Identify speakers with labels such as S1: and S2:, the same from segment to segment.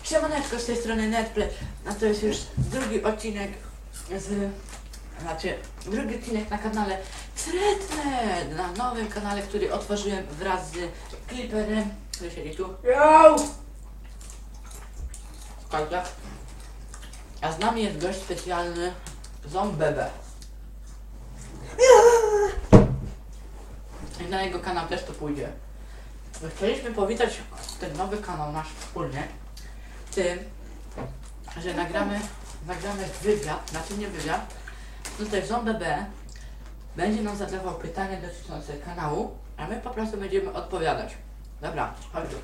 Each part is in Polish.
S1: Siemaneczko, z tej strony Netplay, a to jest już drugi odcinek drugi odcinek na kanale Threadnet, na nowym kanale, który otworzyłem wraz z Clipperem, który siedzi tu.
S2: Yo!
S1: Słuchajcie. A z nami jest gość specjalny, Zombebe. I na jego kanał też to pójdzie. Chcieliśmy powitać ten nowy kanał nasz wspólnie tym, że nagramy wywiad, znaczy nie wywiad, tutaj Zombebe będzie nam zadawał pytania dotyczące kanału, a my po prostu będziemy odpowiadać. Dobra, chodź tu.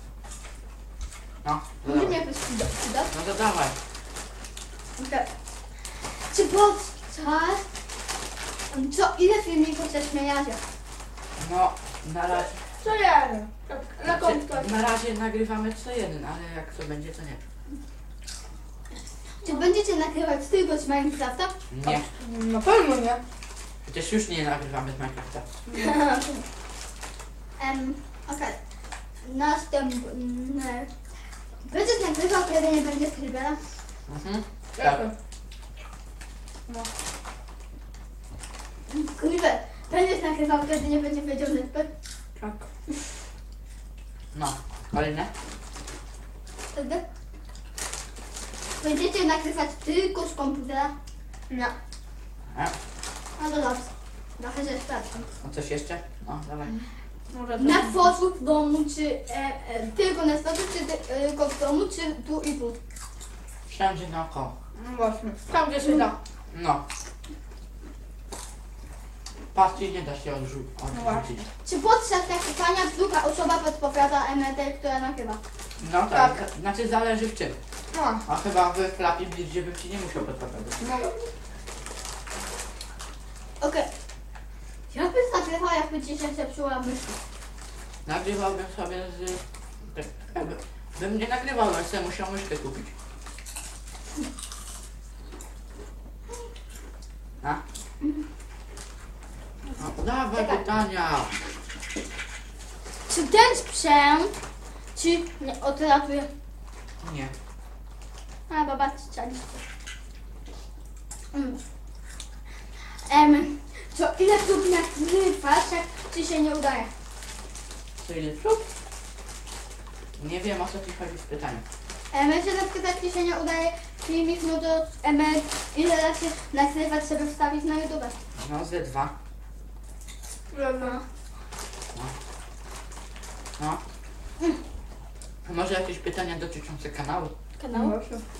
S1: No,
S2: Może
S1: dodawaj.
S2: mnie jakoś przyda?
S1: No to dawaj.
S2: Okay. Czy podczas... ile filmików ze śmiejecie?
S1: No, na razie,
S2: Co jeden? Na kątkę.
S1: na razie nagrywamy co jeden, ale jak to będzie, to nie.
S2: Czy będziecie nagrywać tylko z Minecrafta?
S1: Nie,
S2: Na pewno nie.
S1: przecież już nie nagrywamy z Minecrafta.
S2: Okej. Następny. Będziesz nagrywał, kiedy nie będzie Scribbera?
S1: Mhm. Tak.
S2: No. Scribber, będziesz nagrywał, kiedy nie będzie wiedział Netpad?
S1: Tak. No, kolejne?
S2: Wtedy? Będziecie nagrywać tylko z komputera? Nie.
S1: A,
S2: No to dobrze. Trochę się sprawdzam.
S1: a coś jeszcze? No, dawaj.
S2: Na dworzu, w domu, czy tylko na dworzu, czy tylko w domu, czy tu i tu?
S1: Wszędzie naokoło.
S2: No właśnie. Tam gdzie się da.
S1: No. Patrzcie, nie da się odrzucić.
S2: Czy podczas nagrywania druga osoba podpowiada emetę, która nagrywa?
S1: No tak, znaczy zależy w czym.
S2: No.
S1: A chyba w Flappy Bird, gdzie bym ci nie musiał podpowiadać.
S2: Okej. Jak byś nagrywał, jakby ci się zepsuła myszka?
S1: Nagrywałbym sobie z... Bym nie nagrywał, ale sobie musiał myszkę kupić. A? No, dawaj
S2: Czekaj.
S1: pytania.
S2: Czy ten sprzęt ci nie odratuje?
S1: Nie.
S2: A, baba, chcieliście. Co ile prób nagrywasz, jak ci się nie udaje?
S1: Co ile prób? Nie wiem, o co ci chodzi w pytaniu.
S2: Jeśli na przykład jak ci się nie udaje filmik, no to ile razy nagrywać sobie wstawić na YouTube?
S1: No, ze dwa.
S2: No.
S1: No. A może jakieś pytania dotyczące kanału?
S2: Kanał?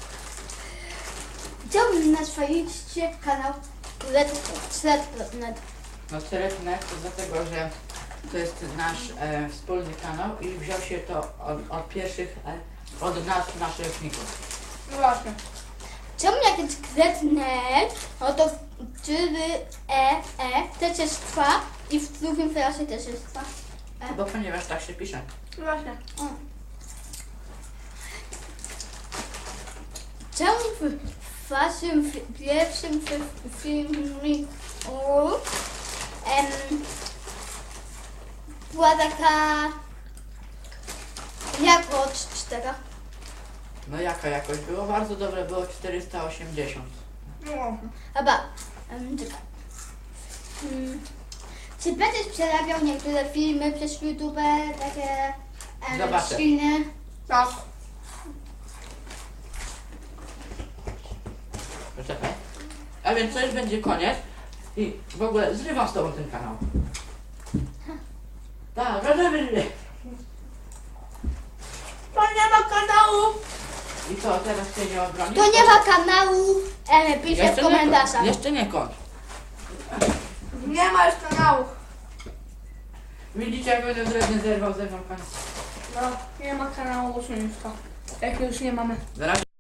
S2: Chciałbym na swoim kanał Threadnet.
S1: No Threadnet to dlatego, że to jest nasz wspólny kanał i wziął się to od pierwszych, od nas, naszych równików.
S2: No właśnie. Czemu jak jest Threadnet, no to też jest trwa i w drugim klasie też jest trwa.
S1: Bo ponieważ tak się pisze.
S2: No właśnie. Czemu w waszym pierwszym filmiku była taka jakość tego?
S1: No jaka jakość? Było bardzo dobre, było 480.
S2: No. Chyba. Czekaj. Czy będziesz przerabiał niektóre filmy przez YouTube, takie
S1: Zobaczę.
S2: silne? Tak.
S1: Poczekaj. A więc to już będzie koniec. I w ogóle zrywam z tobą ten kanał. Tak,
S2: To nie ma kanału!
S1: I co, teraz się nie obronisz?
S2: To nie ma kanału! Piszę w komentarzach.
S1: Jeszcze nie kończ.
S2: Nie ma już kanału.
S1: Widzicie, jak będę wredny zerwał ze mną koniec.
S2: No, nie ma kanału usunięcia. Jak już nie mamy.
S1: Na razie.